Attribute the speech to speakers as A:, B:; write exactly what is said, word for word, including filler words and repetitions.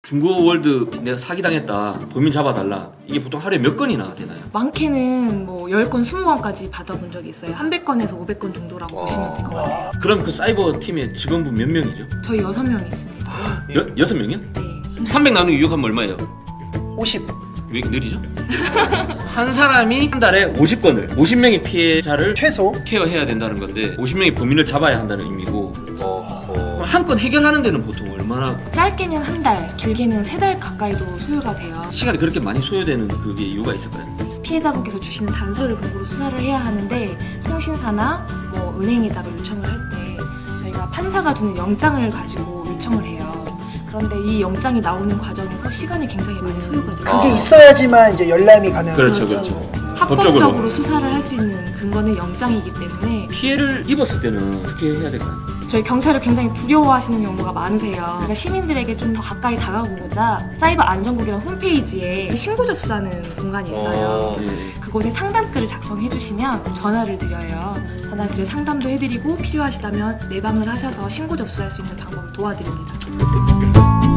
A: 중고월드 내가 사기당했다, 범인 잡아달라, 이게 보통 하루에 몇 건이나 되나요?
B: 많게는 뭐 열 건, 스무 건까지 받아본 적이 있어요. 삼백 건에서 오백 건 정도라고
C: 와.
B: 보시면 될 것 같아요.
A: 그럼 그 사이버 팀의 직원분 몇 명이죠?
B: 저희 여섯 명 있습니다.
A: 여, 여섯 명이요?
B: 네.
A: 삼백 나누기 육 하면 얼마예요?
C: 오십.
A: 왜 이렇게 느리죠? 한 사람이 한 달에 오십 건을, 오십 명의 피해자를
C: 최소.
A: 케어해야 된다는 건데 오십 명의 범인을 잡아야 한다는 의미고,
C: 어허.
A: 한 건 해결하는 데는 보통 얼마나
B: 짧게는 한 달, 길게는 세 달 가까이도 소요가 돼요.
A: 시간이 그렇게 많이 소요되는 그게 이유가 있을까요?
B: 피해자분께서 주시는 단서를 근거로 수사를 해야 하는데, 통신사나 뭐 은행에다가 요청을 할 때 저희가 판사가 주는 영장을 가지고 요청을 해요. 그런데 이 영장이 나오는 과정에서 시간이 굉장히 많이 소요가 돼요.
C: 그게
A: 아.
C: 있어야지만 이제 열람이 가능한
A: 그렇죠,
C: 거죠.
A: 그렇죠.
B: 합법적으로
A: 법적으로.
B: 수사를 할 수 있는 근거는 영장이기 때문에
A: 피해를 입었을 때는 어떻게 해야 될까요?
B: 저희 경찰을 굉장히 두려워하시는 경우가 많으세요. 그러니까 시민들에게 좀 더 가까이 다가오고자 사이버 안전국이라는 홈페이지에 신고 접수하는 공간이 있어요.
C: 어.
A: 네.
B: 그곳에 상담글을 작성해 주시면 전화를 드려요. 전화를 드려 상담도 해드리고 필요하시다면 내방을 하셔서 신고 접수할 수 있는 방법을 도와드립니다.